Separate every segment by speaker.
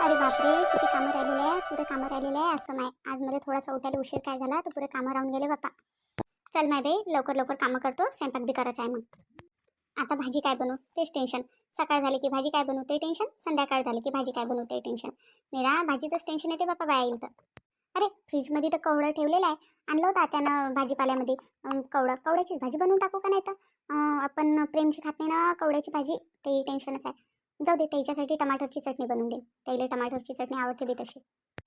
Speaker 1: अरे बापरे, किती कामं राहिलेले आहे, पुरे कामं राहिलेले आहे. असं नाही, आज मला थोडासा उठायला उशीर काय झाला तर पुरे कामं राहून गेले बाप्पा. चल माय बाई, लवकर लवकर कामं करतो, स्वयंपाक बी करायचा आहे. मग आता भाजी काय बनवू तेच टेन्शन. सकाळ झाली की भाजी काय बनवू ते टेन्शन, संध्याकाळ झाली की भाजी काय बनवू ते टेन्शन. मेरा भाजीचंच टेन्शन येते बाप्पा बाया येईल तर. अरे फ्रीजमध्ये तर कवडं ठेवलेलं आहे, आणलं होतं त्यानं भाजीपाल्यामध्ये. कवड्याचीच भाजी बनवून टाकू का नाही तर. आपण प्रेमची खात नाही ना कवड्याची भाजी, ते टेन्शनच आहे. जाऊ दे, त्याच्यासाठी टमाटरची चटणी बनवून दे. त्याला टमाटरची चटणी आवडते दे तशी.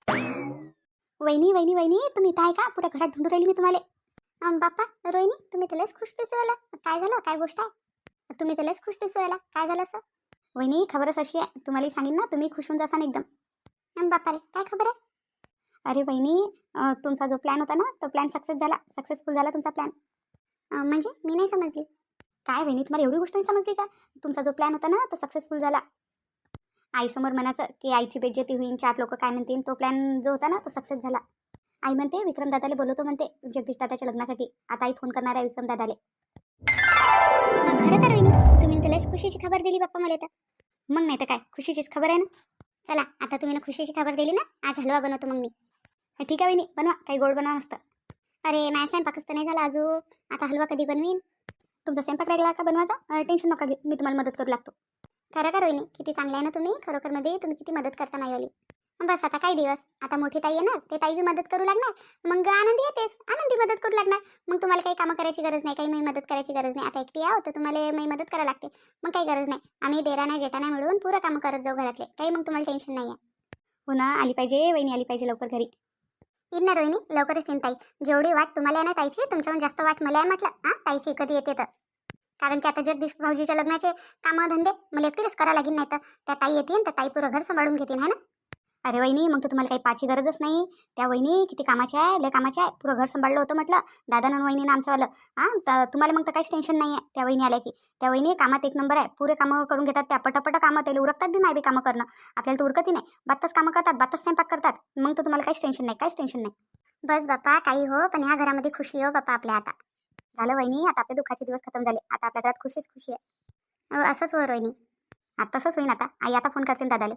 Speaker 1: वहिनी वहिनी वहिनी, तुम्ही इथं आहे का? पुऱ्या घरात ढूंढून राहिली मी तुम्हाला. बाप्पा रोहिणी, तुम्ही त्यालाच खुश दिसू राहिला. काय झालं, काय गोष्ट आहे? तुम्ही त्यालाच खुश दिसू राहिला, काय झालं असं? वहिनी खबरच अशी आहे, तुम्हाला सांगेन ना, तुम्ही खुश होऊन जासान एकदम. बाप्पा रे, काय खबर आहे? अरे वहिनी, तुमचा जो प्लॅन होता ना तो प्लॅन सक्सेसफुल झाला तुमचा प्लॅन. म्हणजे मी नाही समजली. काय वहिनी, तुम्हाला एवढी गोष्ट नाही समजली का? तुमचा जो प्लॅन होता ना तो सक्सेसफुल झाला. आईसमोर म्हणायचं की आईची बेइज्जती होईल, चार लोक काय म्हणतील, तो प्लॅन जो होता ना तो सक्सेस झाला. आई म्हणते विक्रम दादाला बोलवतो म्हणते जगदीश दादाच्या लग्नासाठी. आता आई फोन करणार आहे विक्रम दादाले. खरं तर वहिनी, तुम्ही त्यालाच खुशीची खबर दिली बाप्पा मला तर. मग नाही तर काय, खुशीचीच खबर आहे ना. चला आता तुम्ही ना खुशीची खबर दिली ना, आज हलवा बनवतो मग मी. ठीक आहे वहिनी, बनवा, काही गोड बनवा मस्त. अरे माझा स्वयंपाकच तर नाही झाला अजून, आता हलवा कधी बनवीन? तुमचा स्वयंपाक राहिला का बनवायचा? टेन्शन नका घेऊ, मी तुम्हाला मदत करू लागतो. खरं का रोहिणी, किती चांगलं आहे ना तुम्ही, खरोखरमध्ये तुम्ही किती मदत करता नाहीवाली. बस आता काही दिवस, आता मोठी ताई येणार, ते ताई बी मदत करू लागणार. मग आनंदी येतेच, आनंदी मदत करू लागणार. मग तुम्हाला काही कामं करायची गरज नाही, काही मी मदत करायची गरज नाही. आता एकटी आहो तर तुम्हाला मी मदत करायला लागते. मग काही गरज नाही, आम्ही डेरा नाही जेटा नाही मिळून पुरं कामं करत जाऊ घरातले, काही मग तुम्हाला टेन्शन नाही आहे. हो ना, आली पाहिजे वहिनी, आली पाहिजे लवकर घरी. येईन ना रोहिणी, लवकरच येईन ताई. जेवढी वाट तुम्हाला आहे ना ताईची, तुमच्याहून जास्त वाट मला आहे म्हटलं. ताईची कधी येते तर. कारण की आता जगदीश भाऊजीच्या लग्नाचे कामं धंदे मला एकटीच करायला लागेल, नाही तर त्या ताई येतील तर ताई पुरं घर सांभाळून घेतील, है ना. अरे वहिनी, मग तर तुम्हाला काही पाची गरजच नाही. त्या वहिनी किती कामाच्या आहे, लय कामाच्या आहे, पुरं घर सांभाळलं होतं म्हटलं दादा आणि वहिनीनं आमचंवालं. तर तुम्हाला मग तर काहीच टेन्शन नाही आहे त्या वहिनी आल्या की. त्या वहिनी कामात एक नंबर आहे, पुरे कामं करून घेतात त्या, पटापट कामं त्याला उरकतात बी, माय बी कामं करणं. आपल्याला तर उरकतही नाही, बातच कामं करतात, बातच स्वयंपाक करतात. मग तर तुम्हाला काहीच टेन्शन नाही, काहीच टेन्शन नाही. बस बाप्पा काही हो, पण ह्या घरामध्ये खुशी हो बाप्पा आपल्या. आता झालं वहिनी, आता आपले दुःखाचे दिवस खतम झाले, आता आपल्या घरात खुशीच खुशी आहे. असंच हो रोहिणी, आता तसंच होईन. आता आई आता फोन करते दादाले.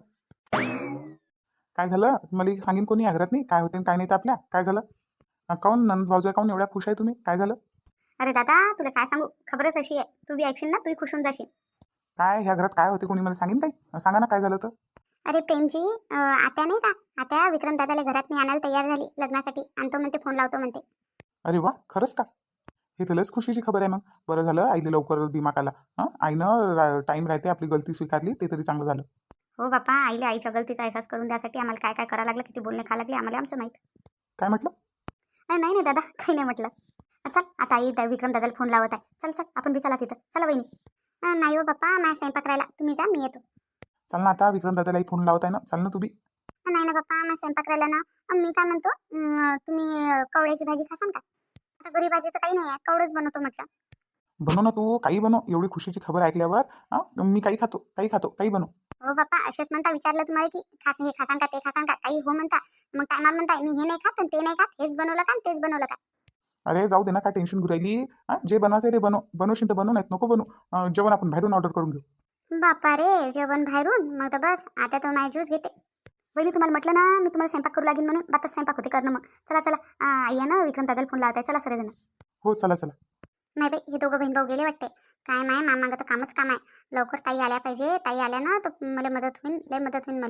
Speaker 2: काय झालं मला सांगेन कोणी या घरात नाही, काय होते काय नाही तर आपल्या काय झालं? काऊन नंद भाऊजा काऊन एवढ्या खुश आहे तुम्ही, काय झालं?
Speaker 1: अरे दादा, तुला काय सांगू, खबरच अशी आहे, तू बी ऐकशील ना, तू खुश होऊन जाशील.
Speaker 2: काय ह्या घरात काय होते कोणी मला सांगेन काही, सांगा ना काय झालं तर.
Speaker 1: अरे प्रेमजी, आत्या नाही का, आत्या विक्रम दादाला घरात मी आणायला तयार झाली लग्नासाठी, आणतो म्हणते, फोन लावतो म्हणते.
Speaker 2: अरे वा, खरंच का? हे तर लस खुशीची खबर आहे. मग बरं झालं आईले लवकर दिमाग आला. आईनं टाईम राहते, आपली गलती स्वीकारली ते तरी चांगलं झालं.
Speaker 1: हो बापा, आईला आईच्या गलतीचा एहसास करून द्यासाठी आम्हाला काय काय करायला लागलं, किती बोलणे खा लागले आम्हाला आमचं माहीत.
Speaker 2: काय म्हटलं?
Speaker 1: नाही नाही दादा, काही नाही म्हटलं. चल आता आई विक्रम दादाला फोन लावत आहे, चल चल आपण बी चला तिथं, चला वहिनी. नाही हो बाप्पा, माझ्या स्वयंपाक राहिला, तुम्ही जा, मी येतो.
Speaker 2: चाल ना, आता विक्रम दादालाही फोन लावत आहे ना, चाल ना तू बी.
Speaker 1: नाही ना बाप्पा, माझ्या स्वयंपाक राहिला ना. मी काय म्हणतो, तुम्ही कवळ्याची भाजी खासान का? आता घरी भाजीचं काही नाही आहे, कवळच बनवतो म्हटलं.
Speaker 2: बनव ना तू, काही बनव, एवढी खुशीची खबर ऐकल्यावर. मी काही खातो, काही खातो, काही बनव.
Speaker 1: हो बाप्पा, असेच म्हणता, विचारलं तुम्हाला की हे खासान का ते खासान का, काही हो म्हणता. मग टायमाला म्हणता मी हे नाही खात आणि ते नाही खात, हेच बनवलं का तेच बनवलं का.
Speaker 2: अरे जाऊ दे ना, काय टेन्शन घेऊ राहिली. जे बनवायचं ते बनव, बनवशील तर बनव, नाहीत नको बनवू. जेवण आपण बाहेरून ऑर्डर करून घेऊ.
Speaker 1: बापा रे, जेवण बाहेरून? मग तर बस, आता तो माझी ज्यूस घेते. वहिनी तुम्हाला म्हटलं ना मी तुम्हाला स्वयंपाक करू लागेल म्हणून, बातच स्वयंपाक होते करणं. मग चला चला, आई आहे ना, विक्रम दादाला फोन लावत आहे, चला सगळेजण.
Speaker 2: हो चला चला.
Speaker 1: नाही बाई, हे दोघं बहीण भाऊ गेले वाटते. काय माय मामागं तर कामच काम आहे. लवकर ताई आल्या पाहिजे, ताई आल्या ना तर मला मदत होईल, लय मदत होईल मला.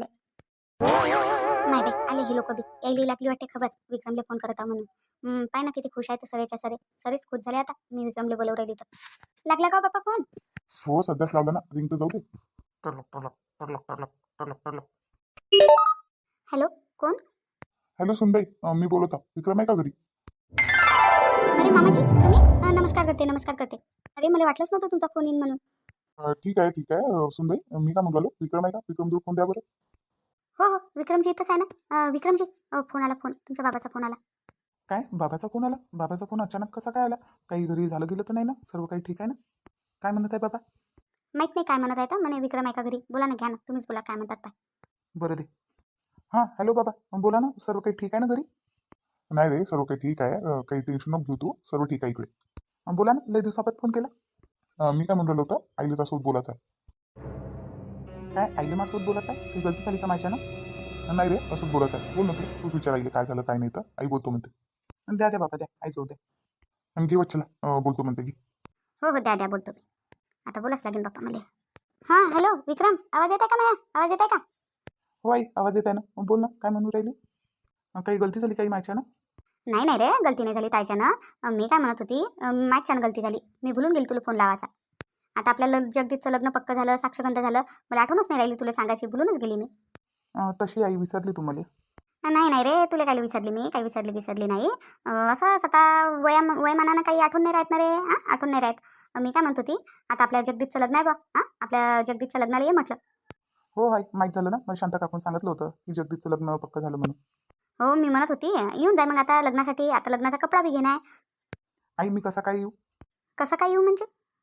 Speaker 1: नाही बाई, आले हे लोक बी, यायला लागली वाटते खबर विक्रमले फोन करत आहे म्हणून. पाय ना किती खुश आहे तर सरेच्या सरे, सरेच खुश झाले आता मी विक्रमले बोलवू राहिली तर. लागला का बाप्पा फोन?
Speaker 2: हो सध्याच लावलं ना, रिंग तर जाऊ दे. टरलक टरलक टरलक टरलक टरलक टरलक.
Speaker 1: हॅलो, कोण?
Speaker 2: हॅलो सुनबाई, मी बोलत आहे. विक्रम आहे का घरी?
Speaker 1: अरे मामाजी तुम्ही? नमस्कार करते, नमस्कार करते. अरे मला वाटलंच नव्हतं तुमचा फोन येईन म्हणून.
Speaker 2: ठीक आहे ठीक आहे सुनबाई, मी काय म्हणतो, विक्रम आहे का? विक्रम दूर फोन द्या बरं.
Speaker 1: हो हो, विक्रमजी इथंच आहे ना. विक्रमजी, फोन आला, फोन तुमच्या बाबाचा फोन आला.
Speaker 2: काय बाबाचा फोन आला? बाबाचा फोन अचानक कसा काय आला? काही घरी झालं गेलं तर नाही ना? सर्व काही ठीक आहे ना? काय म्हणत आहे बाबा?
Speaker 1: माहित नाही काय म्हणत आहे तर म्हणे विक्रम आहे का घरी. बोला ना, घ्या ना, तुम्हीच बोला काय म्हणतात पाय.
Speaker 2: बरं दे. हां हॅलो बाबा, बोला ना, सर्व काही ठीक आहे ना घरी? नाही रे, सर्व काही ठीक आहे, काही टेन्शन नको घेऊ तू, सर्व ठीक आहे इकडे. बोला ना, लय दिवसापासून फोन केला. मी काय म्हणलं होतं, आईला त्यासोबत बोलायचं आहे. काय आईला माझ्यासोबत बोलायचं आहे? काही गलती झाली का माझ्या ना? नाही रे, असंच बोलायचं आहे. बोल ना तूच विचारायला काय झालं काय नाही तर आई बोलतो म्हणते. द्या द्या बाबा द्या, आई जाऊ द्या. आणि घे वच्छला बोलतो म्हणते की.
Speaker 1: हो हो, द्या द्या बोलतो मी. आता बोलाच लागेल बाप्पा मला. हां हॅलो विक्रम, आवाज येत आहे का मला? आवाज येत आहे का?
Speaker 2: हो आई, आवाज येत आहे ना, मग बोल ना, काय म्हणून राहिली? काही गलती झाली काही माझ्या ना?
Speaker 1: नाही नाही रे, गलती नाही झाली ताईच्यानं. मी काय म्हणत होती, माझ्यानं गलती झाली. मी भुलून गेली तुला फोन लावायचा. आता आपल्याला जगदीशचं लग्न पक्क झालं, साक्षगंध झालं. मला आठवणच नाही राहिली तुला सांगायची, भुलूनच गेली मी.
Speaker 2: तशी आई विसरली तुम्हाला.
Speaker 1: नाही नाही रे, तुला काय विसरली मी, काही विसरली नाही. असंच आता वयमानानं काही आठवण नाही राहत ना रे. हां, आठवण नाही राहत. मी काय म्हणत होती, आता आपल्या जगदीशचं लग्न आहे बा. हां, आपल्या जगदीशच्या लग्नाला ये म्हटलं.
Speaker 2: हो आई, माहीत झालं ना, मला शांता काकून सांगितलं होतं की जगदीशचं लग्न पक्क झालं म्हणून.
Speaker 1: हो, मी म्हणत होती येऊन जाय मग आता लग्नासाठी. आता लग्नाचा कपडा बी घेणार.
Speaker 2: आई मी कसा काय येऊ?
Speaker 1: कसं काय येऊ म्हणजे?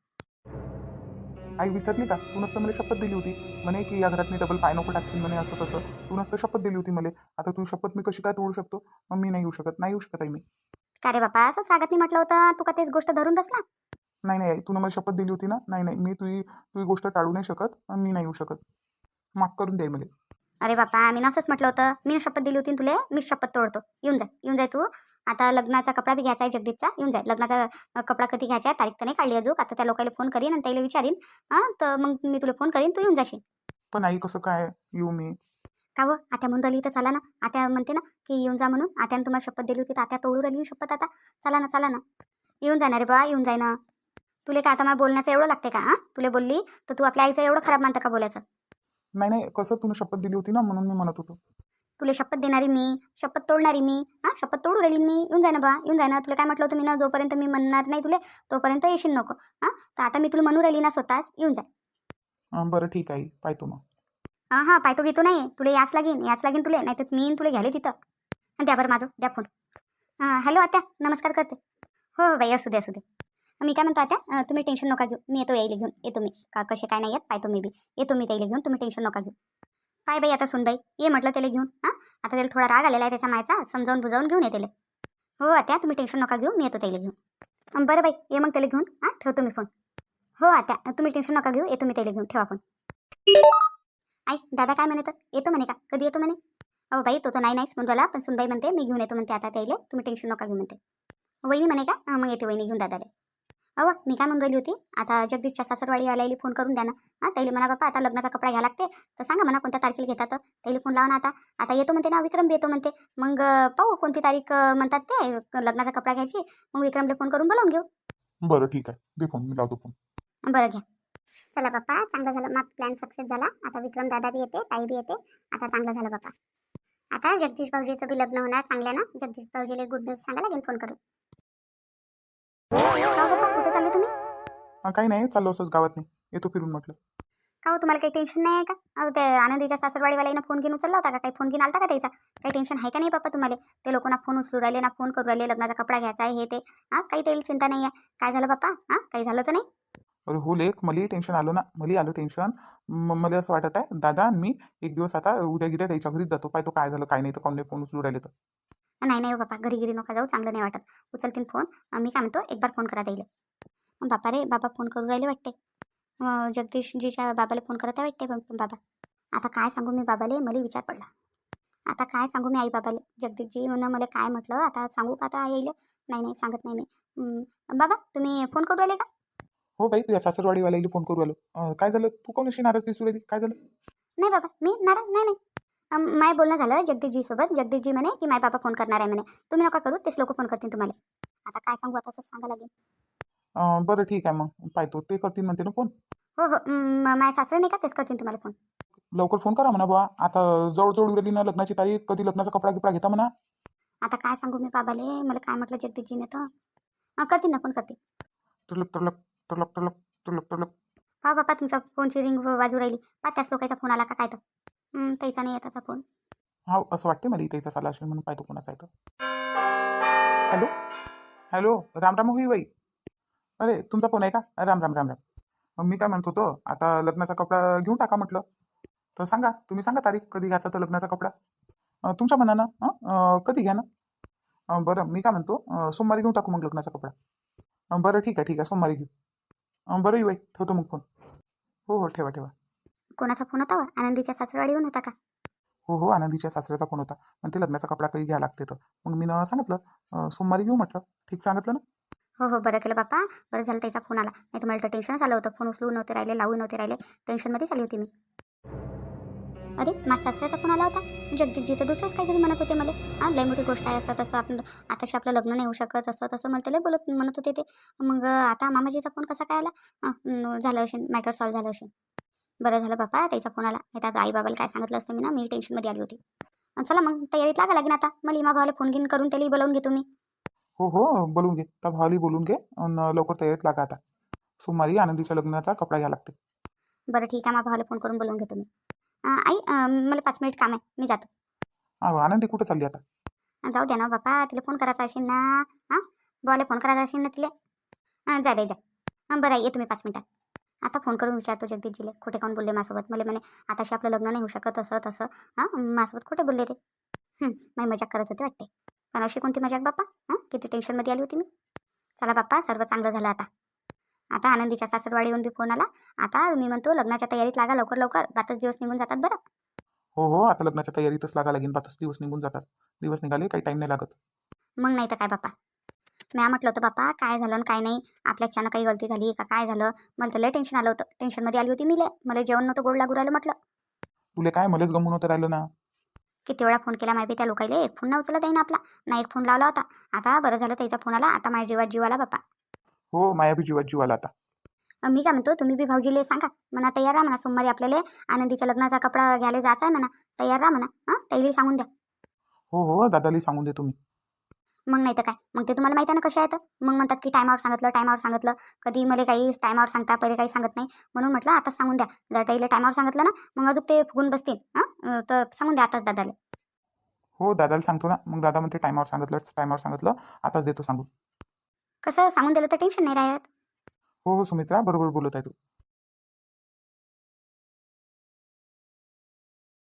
Speaker 2: आई विसरली का? तू नसतं मला शपथ दिली होती म्हणे की या घरात मी डबल पाय नको टाकशील म्हणे, असं तसं. तू नसतं शपथ दिली होती मला. आता तू शपथ मी कशी काय तोडू शकतो? मग मी नाही येऊ शकत, नाही येऊ शकत आई मी.
Speaker 1: का रे बापा, असंच रागात नाही म्हटलं होतं, तू का तेच गोष्ट धरून बसला?
Speaker 2: नाही नाही आई, तू मला शपथ दिली होती ना. नाही नाही, मी तुझी तुझी गोष्ट टाळू नाही शकत, मी नाही येऊ शकत. माफ करून दे मला.
Speaker 1: अरे बापा, मी नसंच म्हटलं होतं. मी शपथ दिली होती तुले, मीच शपथ तोडतो. येऊन जाय तू. आता लग्नाचा कपडा बी घ्यायचा आहे जगदीशचा. येऊन जाय. लग्नाचा कपडा कधी घ्यायचा आहे, तारीख तर नाही काढली अजून. आता त्या लोकांना फोन करीन आणि त्याला विचारीन. हां, तर मग मी तुला फोन करीन, तू येऊन जाशील.
Speaker 2: पण आई कसं काय येऊ मी?
Speaker 1: का हो, आत्या म्हणून राहिली तर चला ना. आत्या म्हणते ना की येऊन जा म्हणून. आत्यानं तुम्हाला शपथ दिली होती तर आत्या तोडू राहिली शपथ आता. चला ना चला ना. येऊन जाणार रे बा, येऊन जाय ना. तुला काय आता मला बोलण्याचं एवढं लागते का? हां, तुला बोलली तर तू आपल्या आईचं एवढं खराब मानतं का बोलायचं?
Speaker 2: नाही नाही, कसं तुला शपथ दिली होती ना म्हणून मी म्हणत होतो.
Speaker 1: तुला शपथ देणारी मी, शपथ तोडणारी मी. हां, शपथ तोडू राहिली मी. येऊन जाय ना बा, येऊन जाय ना. तुला काय म्हटलं होतं मी ना, जोपर्यंत मी म्हणणार नाही तुले तोपर्यंत येशील नको. हां, तर आता मी तुला म्हणू राहिली ना स्वतःच, येऊन जाय.
Speaker 2: बरं ठीक आहे, पाहतो मग.
Speaker 1: हां हां, पायतो घेतो नाही. तुला याच लागेन तुले, नाही तर मी तुला घ्याले तिथं. आणि द्या बरं माझं, द्या फोन. हां हॅलो आत्या, नमस्कार करते. हो बाई, असू दे असू दे. मी काय म्हणतो आत्या, तुम्ही टेन्शन नका घेऊ. मी येतो यायला घेऊन. येतो मी. का कसे काय नाही येत पाहतो मी बी. येतो मी त्याला घेऊन, तुम्ही टेन्शन नका घेऊ. काय बाई आता सुनबाई, ये म्हटलं त्याला घेऊन. हां, आता त्याला थोडा राग आलेला आहे त्याच्या मायचा. समजावून बुजावून घेऊन ये त्याला. हो आत्या, तुम्ही टेन्शन नका घेऊ. मी येतो त्याला घेऊन. बरं बाई, ये मग त्याला घेऊन. हां, ठेवतो मी फोन. हो आत्या, तुम्ही टेन्शन नका घेऊ. येतो मी त्याला घेऊन. ठेवा फोन. आई दादा काय म्हणत येतो म्हणे का? कधी येतो म्हणे? अहो बाई, तो तर नाहीच म्हणून राहिला, पण सुनबाई म्हणते मी घेऊन येतो म्हणते आता त्याला. तुम्ही टेन्शन नका घेऊ म्हणते. वहिनी म्हणे का? मग येते वहिनी घेऊन दादाला. अहो मी काय म्हणून राहिली होती, आता जगदीशच्या सासरवाडी आल्याला फोन करून द्या ना. हां, त्याला म्हणा बापा आता लग्नाचा कपडा घ्या लागते, तर सांगा म्हणा कोणत्या तारखेला घेतात. त्याला फोन लावा ना आता. आता येतो म्हणते ना, विक्रम बी येतो म्हणते. मग पाहू कोणती तारीख म्हणतात ते लग्नाचा कपडा घ्यायची. मग विक्रमला फोन करून बोलावून घेऊ.
Speaker 2: बरं ठीक आहे, दे फोन, मी लावतो फोन.
Speaker 1: बरं घ्या. चला बाप्पा, चांगलं झालं. मग प्लॅन सक्सेस झाला. आता विक्रम दादा बी येते, ताई बी येते. आता चांगलं झालं बाप्पा. आता जगदीश भाऊजीचं बी लग्न होणार चांगल्यानं. जगदीश भाऊजीला गुड न्यूज सांगा लागेल फोन करून. का हो बाप्पा, कुठे चालले तुम्ही?
Speaker 2: काही नाही, चाललो असंच गावात नाही, येतो फिरून म्हटलं.
Speaker 1: का हो, तुम्हाला काही टेन्शन नाही आहे का? अहो ते आनंदीच्या सासरवाडीवाल्यानं फोन घेऊन उचलला होता का? काही फोन घेऊन आलता का त्याचा? काही टेन्शन आहे का नाही बाप्पा तुम्हाला? ते लोक ना फोन उचलू राहिले ना फोन करू राहिले, लग्नाचा कपडा घ्यायचा आहे हे ते. हां, काही त्याला चिंता नाही आहे. काय झालं बाप्पा? हां, काही झालं तर नाही?
Speaker 2: अरे हो लेख, मलाही टेन्शन आलं ना, मलाही आलं टेन्शन. मला असं वाटत आहे दादा आणि मी एक दिवस आता उद्या गिद्या त्याच्या घरीच जातो, पाहतो काय झालं काय नाही, तर कोण नाही फोन उचलू राहिले तर.
Speaker 1: नाही नाही हो बाप्पा, घरी घरी नका जाऊ, चांगलं नाही वाटत. उचलतील फोन. मी काय म्हणतो, एक बार फोन करा द्यायला. बापा रे, बाबा फोन करू राहिले वाटते. जगदीशजीच्या बाबाला फोन करत आहे वाटते बाबा. आता काय सांगू मी बाबाले, मला विचार पडला. आता काय सांगू मी आई बाबाले? जगदीशजी म्हणून मला काय म्हटलं, आता सांगू का आता येईल? नाही नाही, सांगत नाही मी. बाबा तुम्ही फोन करू राहिले का?
Speaker 2: हो बाई, तुझ्या सासरवाडीवाल्याला फोन करू आलो. काय झालं, तू कोण अशी नाराज दिसू राहिली, काय झालं?
Speaker 1: नाही बाबा, मी नाराज नाही नाही. माय बोलणं झालं जगदीशजी सोबत. जगदीशजी म्हणे की माय बाबा फोन करणार आहे म्हणे. तुम्ही नका करू, तेच लोक फोन करतील तुम्हाला. आता काय सांगू, आता असंच सांगा लागेल.
Speaker 2: बरं ठीक आहे, मग पाहतो, ते करतील म्हणते ना फोन.
Speaker 1: हो हो, माझ्या सासरे नाही का, तेच करतील तुम्हाला फोन.
Speaker 2: लवकर फोन करा म्हणा बुवा, आता जवळ उरली ना लग्नाची तारीख, कधी लग्नाचा कपडा गिपडा घेता म्हणा.
Speaker 1: आता काय सांगू मी बाबाले, मला काय म्हटलं जगदीशजीने तर. करतील ना, फोन करतील.
Speaker 2: टलक टलक टलक टलक टलक टलक.
Speaker 1: हा बापा, तुमच्या फोनची रिंग वाजू राहिली. त्याच लोकांचा फोन आला का काय तर. त्याचा नाही येत आता फोन.
Speaker 2: हा, असं वाटते मला इथे चाला असेल म्हणून, पाहतो कोणाचा आहे तर. हॅलो हॅलो, राम राम होई बाई. अरे तुमचा फोन आहे का? राम राम राम राम. मग मी काय म्हणत होतो, आता लग्नाचा कपडा घेऊन टाका म्हटलं. तर सांगा, तुम्ही सांगा तारीख कधी घ्यायचा तर लग्नाचा कपडा. तुमच्या मनानं कधी घ्या ना. बरं मी काय म्हणतो, सोमवारी घेऊन टाकू मग लग्नाचा कपडा. बरं ठीक आहे सोमवारी घेऊ. बरं येऊ बाई, ठेवतो मग फोन. हो हो, ठेवा ठेवा.
Speaker 1: कोणाचा फोन होता वा? आनंदीच्या सासरवाडीहून होता का?
Speaker 2: हो हो, आनंदीच्या सासऱ्याचा फोन होता. पण ते लग्नाचा कपडा काही घ्यायला लागते तर मग मी सांगितलं सोमवारी घेऊ म्हटलं. ठीक सांगितलं ना.
Speaker 1: हो हो, बरं केलं बाप्पा. बरं झालं त्याचा फोन आला, नाही तर मला तर टेन्शनच आलं होतं. फोन उचलू नव्हते राहिले, लावू नव्हते राहिले, टेन्शनमध्येच आली होती मी. अरे माझ्या सासऱ्याचा फोन आला होता. जगदीशजी तर दुसरंच काहीतरी म्हणत होते मला. हां, लय मोठी गोष्ट आहे, असं तसं आपण आताशी आपलं लग्न नाही होऊ शकत, असं तसं मला लय म्हणत होते ते. मग आता मामाजीचा फोन कसा काय आला? झालं असेल, मॅटर सॉल्व्ह झालं असेल. बरं झालं बाप्पा त्याचा फोन आला, नाही तर आता आई बाबाला काय सांगितलं असतं मी ना, मी टेन्शनमध्ये आली होती. चला मग तयारीत लागा लागेल आता. मला इमा भावाला फोन घेऊन करून त्यालाही बोलावून घेतो मी.
Speaker 2: हो हो, बोलून घे, त्या भावाली बोलून घे आणि लवकर तयारीत लागा आता. सोमवारी आनंदीच्या लग्नाचा कपडा घ्यायला लागते.
Speaker 1: बरं ठीक आहे, मा भावाला फोन करून बोलावून घेतो मी. आई मला 5 मिनिट काम आहे, मी जातो.
Speaker 2: आनंदी कुठं चालली आता?
Speaker 1: जाऊ द्या ना बाप्पा, तिला फोन करायचा असेल ना. हां, भावाला फोन करायचा असेल ना तिला. जा बाई जा. बरं आहे, येतो मी 5 मिनिटात. आता फोन करून विचारतो जगदीशजीले, खोटे काऊन बोलले माझ्यासोबत. मला म्हणे आताशी आपलं लग्न नाही होऊ शकत, असं तसं. हां, माझ्यासोबत खोटे बोलले ते. माझी मजाक करत होते वाटते. पण अशी कोणती मजाक बाप्पा? किती टेन्शनमध्ये आली होती मी. चला बाप्पा, सर्व चांगलं झालं आता. आता आनंदीच्या सासरवाडी येऊन बी फोन आला. आता मी म्हणतो लग्नाच्या तयारीत लागा लवकर लवकर, 5च दिवस निघून जातात बरं.
Speaker 2: हो हो, आता लग्नाच्या तयारीतच लागा लागेल. 5 दिवस निघून जातात. दिवस निघाले काही टाईम नाही लागत.
Speaker 1: मग नाही तर काय बाप्पा. म्या म्हटलं होतं बाप्पा काय झालं आणि काय नाही, आपल्याच्यानं काही गलती झाली का काय झालं. मला तर लय टेन्शन आलं होतं, टेन्शनमध्ये आली होती मी लय. मला जेवण नव्हतं गोड लागू राहिलं म्हटलं.
Speaker 2: तुले काय मलाच गमून होतं राहिलं ना.
Speaker 1: किती वेळा फोन केला माहिती त्या लोकांना, एक फोन ना उचलत आहे ना आपला. ना एक फोन लावला होता. आता बरं झालं त्याचा फोन आला, आता माझ्या जीवात जीव आला बाप्पा.
Speaker 2: हो, माया बी जीवात जीव आला आता.
Speaker 1: मी काय म्हणतो, तुम्ही बी भाऊजीले सांगा म्हणा, तयार राहा म्हणा. सोमवारी आपल्याला आनंदीच्या लग्नाचा कपडा घ्यायला जायचा आहे म्हणा. तयार राहा म्हणा. त्याला सांगून द्या.
Speaker 2: हो हो, दादाला सांगून दे तुम्ही.
Speaker 1: मग नाही तर काय, मग ते तुम्हाला माहिती आहे ना कसे आहेत. मग म्हणतात की टायमावर सांगितलं, टायमावर सांगितलं. कधी मला काही टायमावर सांगता, पहिले काही सांगत नाही. म्हणून म्हटलं आताच सांगून द्या. जर त्याला टायमावर सांगितलं ना, मग अजून ते फुगून बसतील. तर सांगून द्या आताच दादाला.
Speaker 2: हो, दादाला सांगतो ना. मग दादा म्हणते टायमावर सांगितलं, आताच देतो सांगून.
Speaker 1: कसं सांगून दिलं तर टेन्शन नाही राहत.
Speaker 2: हो हो, सुमित्रा बरोबर बोलत आहे तू.